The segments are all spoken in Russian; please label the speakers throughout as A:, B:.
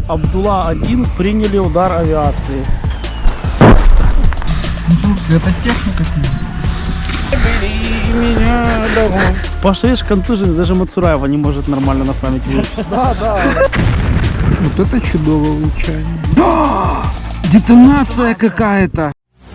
A: Абдулла-1 приняли удар авиации.
B: Это техника.
A: Паша, видишь, контуженный, даже Мацураева не может нормально на память выучить.
B: Да, да. Вот это чудовое улучшение. Детонация какая-то.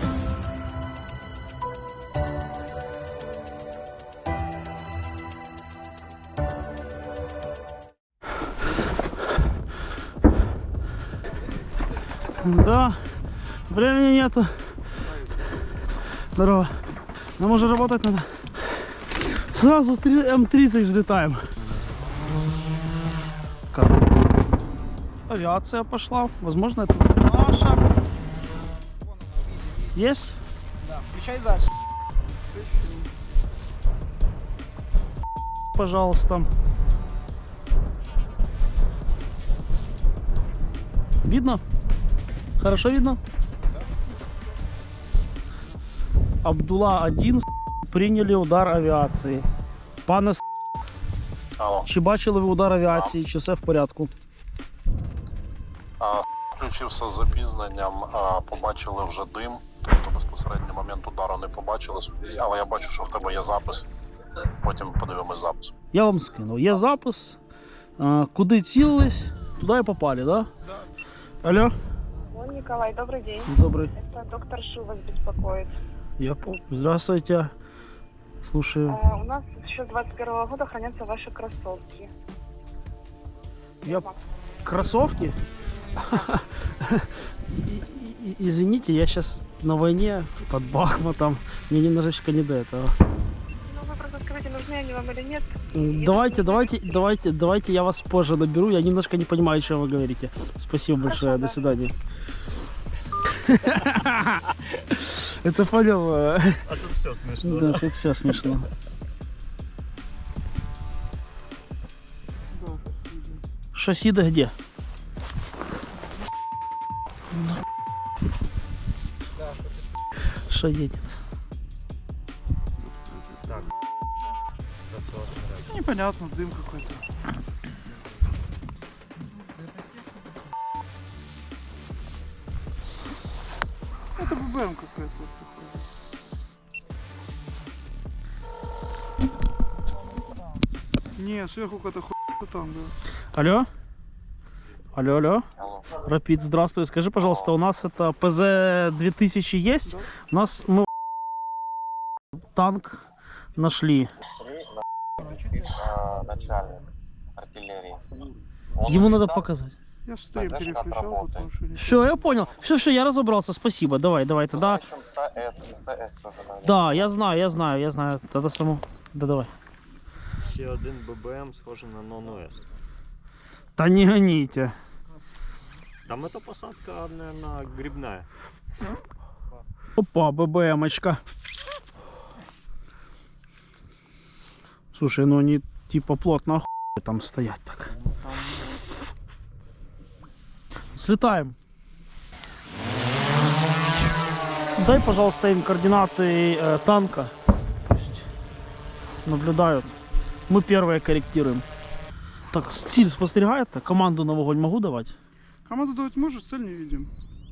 A: Да, времени нету. Здорово. Нам уже работать надо. Сразу М-30 взлетаем. Как? Авиация пошла. Возможно, это наша. Есть?
B: Да, включай запись.
A: Пожалуйста. Видно? Хорошо видно? Абдулла-1 приняли удар авіації. Пане
C: Алло.
A: чи бачили ви удар авіації, чи все в порядку?
C: Включився з запізненням, побачили вже дим, тобто безпосередньо момент удару не побачили, але я бачу, що в тебе є запис, потім подивимось запис.
A: Я вам скинув. Є запис, куди цілились, туди і попали, да? Да. Алло?
D: Николай, добрый день.
A: Добрый.
D: Это доктор Шу вас беспокоит.
A: Я помню. Здравствуйте. Слушаю.
D: У нас еще с 21 года хранятся ваши кроссовки.
A: Я... Кроссовки? Извините, я сейчас на войне под Бахмутом. Мне немножечко не до этого.
D: Ну, вы просто скажите, нужны они вам или нет.
A: Давайте я вас позже наберу. Я немножко не понимаю, о чем вы говорите. Спасибо большое. До свидания. Это понял.
E: А тут все смешно.
A: Да, тут все смешно. Шасида где? Что едет?
B: Непонятно, дым какой-то. Это ББМ какая-то. Не, сверху какая-то хуйня там, да.
A: Алло? Алло.
C: Алло.
A: Рапид, здравствуй. Скажи, пожалуйста, у нас это ПЗ-2000 есть?
B: Да.
A: У нас мы танк нашли.
C: Начальник артиллерии.
A: Ему надо показать.
B: Я стрим
C: Знаешь, как
B: переключал,
C: работает?
B: потому что...
A: Все, я понял. Все, я разобрался. Спасибо. Давай тогда.
C: СТС тоже надо.
A: Да, я знаю. Тогда само. Да, давай.
E: Ще один ББМ схожий на Нон-ОС.
A: Да не гоните.
E: Там эта посадка, наверное, грибная.
A: Опа, ББМочка. Слушай, ну они типа плотно охуели там стоять так. Слетаем. Дай, пожалуйста, им координаты танка. Пусть наблюдают. Мы первые корректируем. Так, стиль спостерегает. Команду на вогонь могу давать?
B: Команду давать можешь, цель не видим.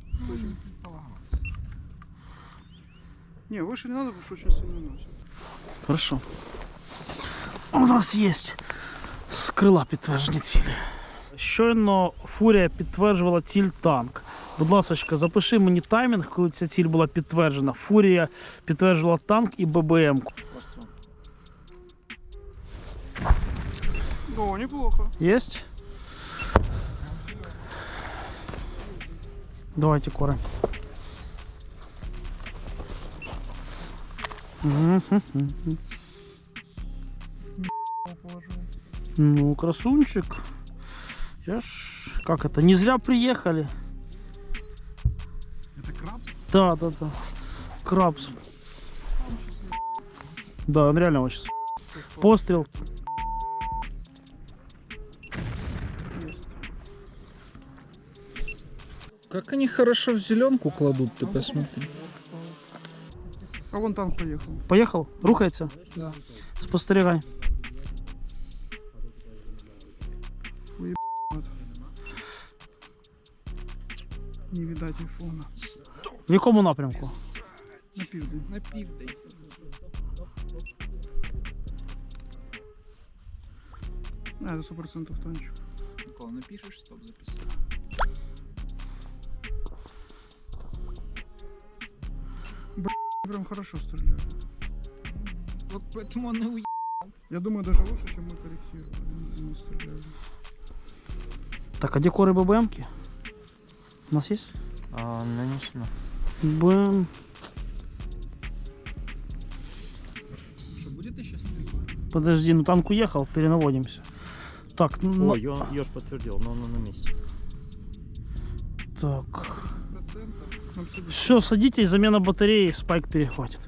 B: Не, выше не надо, потому что очень сильно носит.
A: Хорошо. У нас есть з крила підтверджені цілі. Щойно Фурія підтверджувала ціль танк. Будь ласка, запиши мені таймінг, коли ця ціль була підтверджена. Фурія підтверджувала танк і ББМ.
B: О, неплохо.
A: Есть? Давайте корень. Ну, красунчик. Я ж... Как это? Не зря приехали.
B: Это крабс?
A: Да. Крабс. Да, он реально очень... Пострел.
F: Как они хорошо в зеленку кладут, ты посмотри.
B: А вон танк поехал.
A: Поехал? Рухается?
B: Да.
A: Спостерігай.
B: Не видать айфона.
A: В якому напрямку?
B: На південь. На південь. А, это 100% танчик.
F: Микола, напишешь, стоп, записал.
B: Прям хорошо стреляют.
F: Вот поэтому он и уехал.
B: Я думаю, даже лучше, чем мы корректировали. Мы стреляли.
A: Так, а декоры ББМки? У нас есть?
E: Нанесено.
A: БМ.
F: Что, будет еще
A: Подожди, ну танк уехал, перенаводимся. Так, ну,
E: Ой, Ёж подтвердил, но он на месте.
A: так.
B: 30%. Нам сюда.
A: Все, садитесь, замена батареи, спайк перехватит.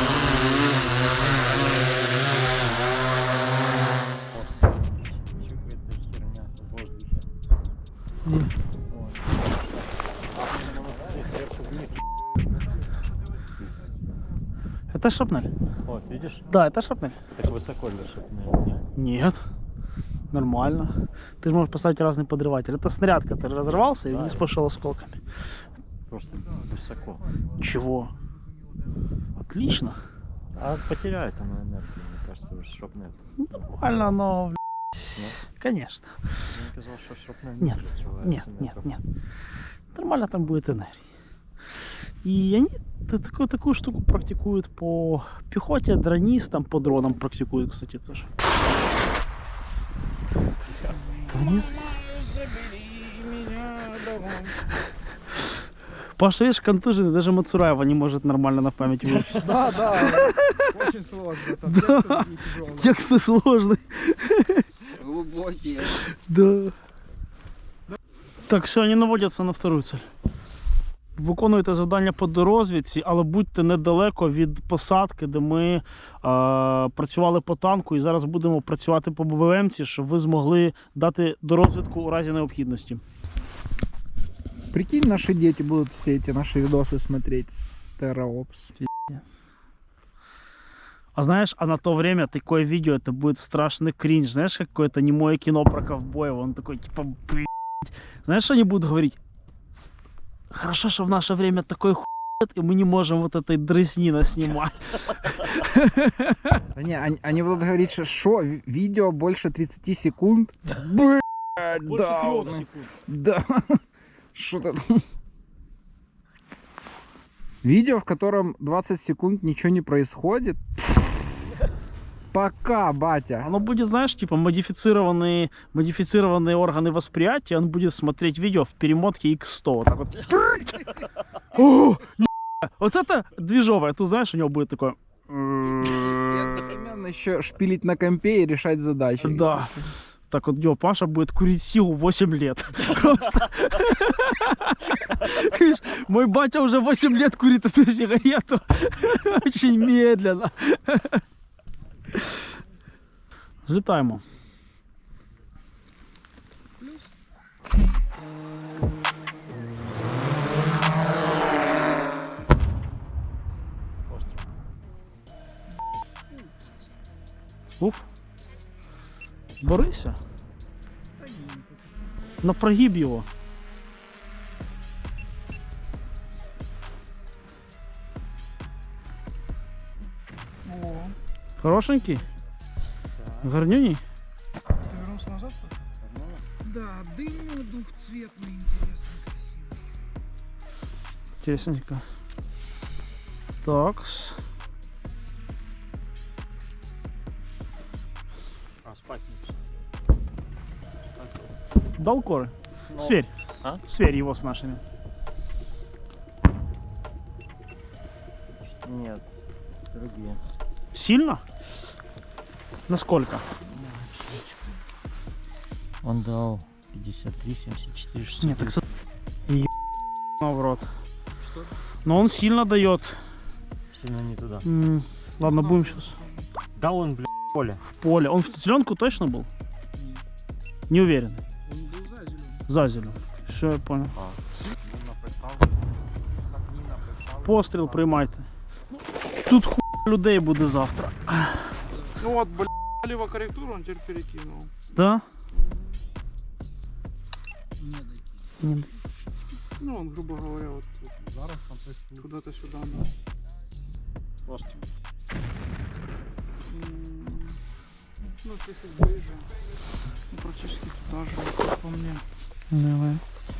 E: Чё какая-то херня в воздухе.
A: Где?
E: Вот. Сверху вниз.
A: Это шрапнель?
E: Вот, видишь?
A: Да, это шрапнель.
E: Так высоко лежит, наверное.
A: Нет. Нормально. Ты же можешь поставить разный подрыватель. Это снаряд, который разорвался и
E: Да.
A: вниз пошел осколками.
E: Просто высоко.
A: Чего? Отлично.
E: А потеряет она энергию, мне кажется, уже шрапнель.
A: Нормально, но... Конечно.
E: Мне казалось, что шрапнель
A: Нет,
E: разрывается
A: нет,
E: метров.
A: нет. Нормально там будет энергия. И они такую штуку практикуют по пехоте, дронистам, по дронам практикуют, кстати, тоже. Паша, видишь, контуженный, даже Мацураева не может нормально на память выучить.
B: Да, да. Очень сложно. Там тексты такие тяжелые.
A: Тексты сложные.
F: глубокие?
A: Да. Так, все, вони наводяться на вторую цель. Виконуєте завдання по дорозвідці, але будьте недалеко від посадки, де ми працювали по танку, і зараз будемо працювати по ББМці, щоб ви змогли дати дорозвідку у разі необхідності.
B: Прикинь, наши дети будут все эти наши видосы смотреть с TerraOps.
A: А знаешь, а на то время такое видео, это будет страшный кринж. Знаешь, какое-то немое кино про ковбоев, он такой, типа, блядь. Знаешь, что они будут говорить? Хорошо, что в наше время такой хуй, и мы не можем вот этой дресни снимать.
B: Не, они будут говорить, что видео больше 30 секунд. Блядь, да. Да. Что-то. Видео, в котором 20 секунд ничего не происходит. Пока, батя.
A: Оно будет, знаешь, типа модифицированные органы восприятия, он будет смотреть видео в перемотке X100. Вот так вот. О, вот это движовое. Тут, знаешь, у него будет такое...
B: И одновременно еще шпилить на компе и решать задачи.
A: Да. Так вот, Паша будет курить сигу 8 лет. Просто. Мой батя уже 8 лет курит эту сигарету. Очень медленно. Взлетаємо. Уф. Борися. На прогиб його. Хорошенький? Гарнюней?
B: Ты вернулся назад? Да, дым двухцветный, интересный, красивый.
A: Интересненько. Так.
E: А, спать
A: Дал коры?
E: Ну,
A: Сверь.
E: а?
A: Сверь его с нашими.
E: Нет, другие.
A: Сильно? Насколько?
E: Он дал 53, 74, 60.
A: Нет, так в рот. Но он сильно дает.
E: Сильно не туда.
A: Ладно, будем сейчас
E: Да он, блядь, в поле.
A: в поле. Он в зеленку точно был? Не уверен.
B: Он был за зеленым.
A: За зеленку. Все, я понял.
C: Написав.
A: Постріл приймайте. Тут хуй людей буде завтра.
G: Ну вот, лево корректуру он теперь перекинул.
A: Да?
B: Не дойти.
A: Ні.
G: Ну, он, грубо говоря, вот куда-то сюда. Да. Ну, чуть-чуть ближе. Ну, практически туда же, как по мне.
A: Давай.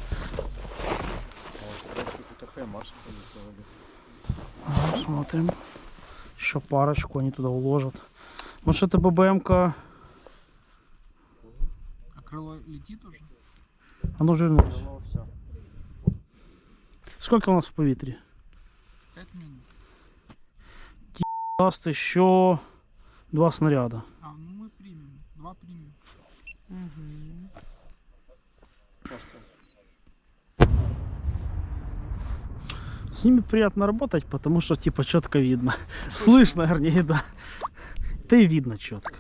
A: Ага, смотрим. Еще парочку они туда уложат. Может, это ББМ-ка...
B: А крыло летит уже?
A: Оно вже вернулось. Сколько у нас в повітрі?
B: 5 минут.
A: Даст еще 2 снаряда.
B: А, ну мы примем. 2 примем.
A: С ними приятно работать, потому что типа четко видно. Слышно, вернее, да. Да и видно четко.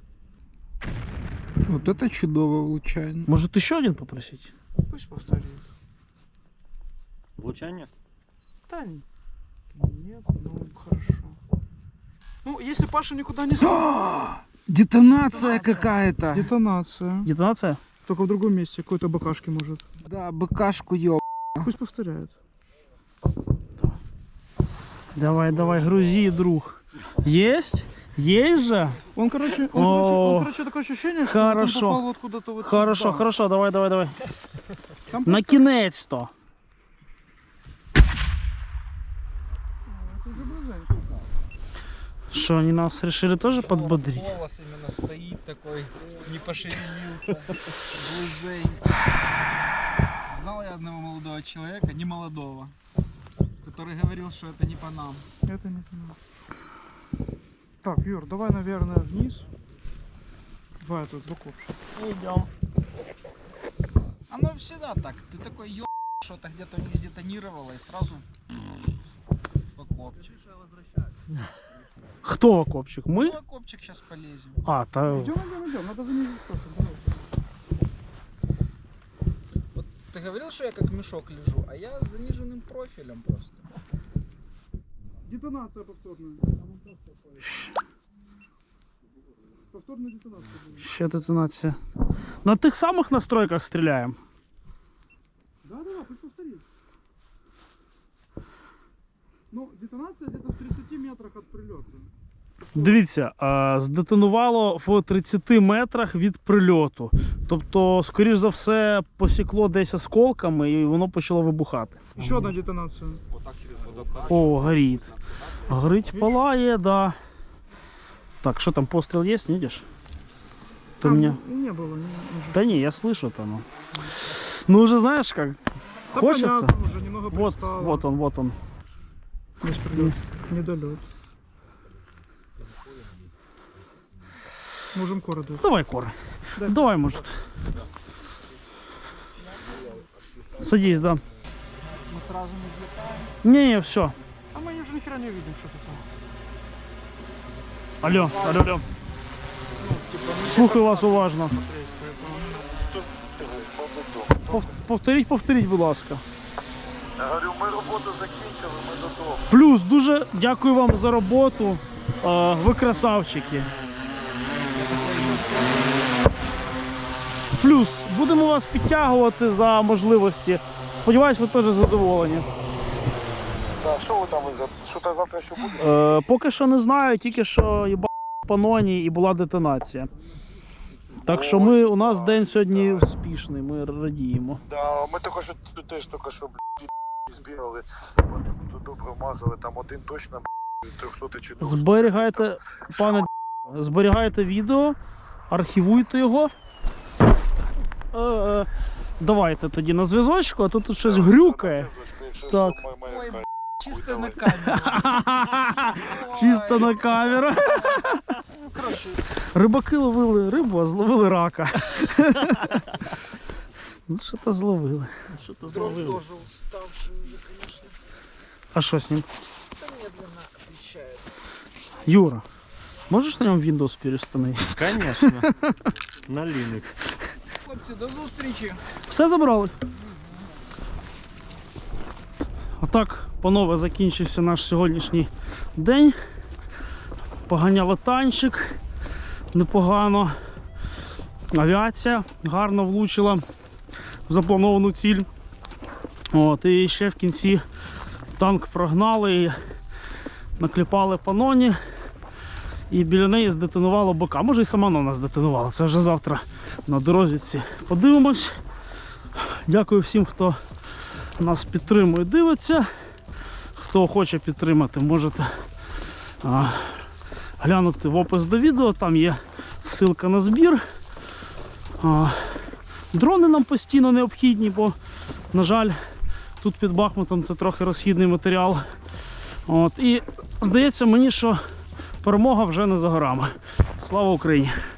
F: Вот это чудовое влучание.
A: Может еще один попросить?
G: Пусть повторит.
E: Влучання?
G: Да нет, ну хорошо. Ну, если Паша никуда не смотрит.
B: Детонация какая-то.
G: Детонация.
A: Детонация?
G: Только в другом месте, какой-то БКшки может.
B: Да, быкашку ёб.
G: Пусть повторяет.
A: Давай, давай, грузи, друг. Есть? Есть же?
G: Он, короче, такое ощущение, что
A: Хорошо.
G: он попал вот куда-то вот
A: Хорошо,
G: сюда.
A: хорошо, давай, давай, давай.
G: Там
A: На кінець-то. Что, они нас решили тоже подбодрить?
B: Волос именно стоит такой, не пошевелился. Глузей. Знал я одного молодого человека, не молодого, который говорил, что это не по нам.
G: Это не понимаю. Так, Юр, давай, наверное, вниз. Давай тут в окоп.
A: Идем.
B: Оно всегда так. Ты такой ёб, что-то где-то не сдетонировало и сразу в окопчик.
A: Кто в окопчик?
B: Ну,
A: Мы?
B: в окопчик сейчас полезем.
A: А, та...
G: Идем, надо занизить профиль. Давай.
B: Вот ты говорил, что я как мешок лежу, а я с заниженным профилем просто.
G: Детонация повторная. Повторная детонация будет.
A: Ще детонація. На тих самих настройках стріляємо.
G: Да, пусть повторит. Ну, детонация где-то в 30 метрах от прилета.
A: Дивіться, здетонувало в 30 метрах від прильоту. Тобто, скоріш за все, посікло десь осколками і воно почало вибухати.
G: Еще одна детонация.
A: О, горить. Горить, палає, да. Так, что там, пострел есть, не видишь? Ты меня...
G: Не было. Не,
A: Да не, я слышу там. Ну уже знаешь как,
G: да
A: хочется.
G: понятно, уже немного
A: Вот,
G: пристало.
A: вот он, вот он.
G: Есть прилет. Недолет. Можем коры дать.
A: Давай, Кора.
G: Да.
A: Давай, может. Садись, да.
B: Мы сразу не взлетаем.
A: Не, все.
G: А мы уже нихера не видим, что это.
A: Алло, алло, алло.
G: Ну, типа, не
A: Слухаю вас уважно.
G: смотреть, поэтому...
A: Повторіть, будь ласка.
C: Я говорю, ми роботу закінчили, ми додому.
A: Плюс, дуже дякую вам за роботу. Ви красавчики. Плюс, будемо вас підтягувати за можливості. Сподіваюсь, ви теж задоволені.
C: Да, що ви там, що там завтра ще буде?
A: Поки що не знаю, тільки що їба паноні і була детонація. Так що у нас день сьогодні успішний, ми радіємо.
C: Да, ми теж тільки що збігали, потім тут добре вмазали, там один точно 300 чи 200.
A: Зберігайте, пане, зберігайте відео, архівуйте його. Давайте тоді на зв'язочку, а тут щось грюкає. Так.
B: Ой, чисто на камеру.
A: Чисто на камеру. Рибаки ловили рибу, а зловили рака. Ну що-то зловили.
B: Дрон тоже уставший уже, конечно.
A: А що з ним?
B: Да медленно отвечает.
A: Юра, можеш на ньому Windows перестановити?
E: Конечно. На Linux.
B: Хлопці, до зустрічі.
A: Все забрали? Отак, панове, закінчився наш сьогоднішній день. Поганяли танчик, непогано. Авіація гарно влучила в заплановану ціль. От, і ще в кінці танк прогнали і накліпали по ноні. І біля неї здетонувало БК. Може і сама нона здетонувала. Це вже завтра на дорозвідці подивимось. Дякую всім, хто нас підтримує, дивиться. Хто хоче підтримати, можете глянути в опис до відео. Там є ссылка на збір. Дрони нам постійно необхідні, бо, на жаль, тут під Бахмутом це трохи розхідний матеріал. От, і здається мені, що перемога вже не за горами. Слава Україні!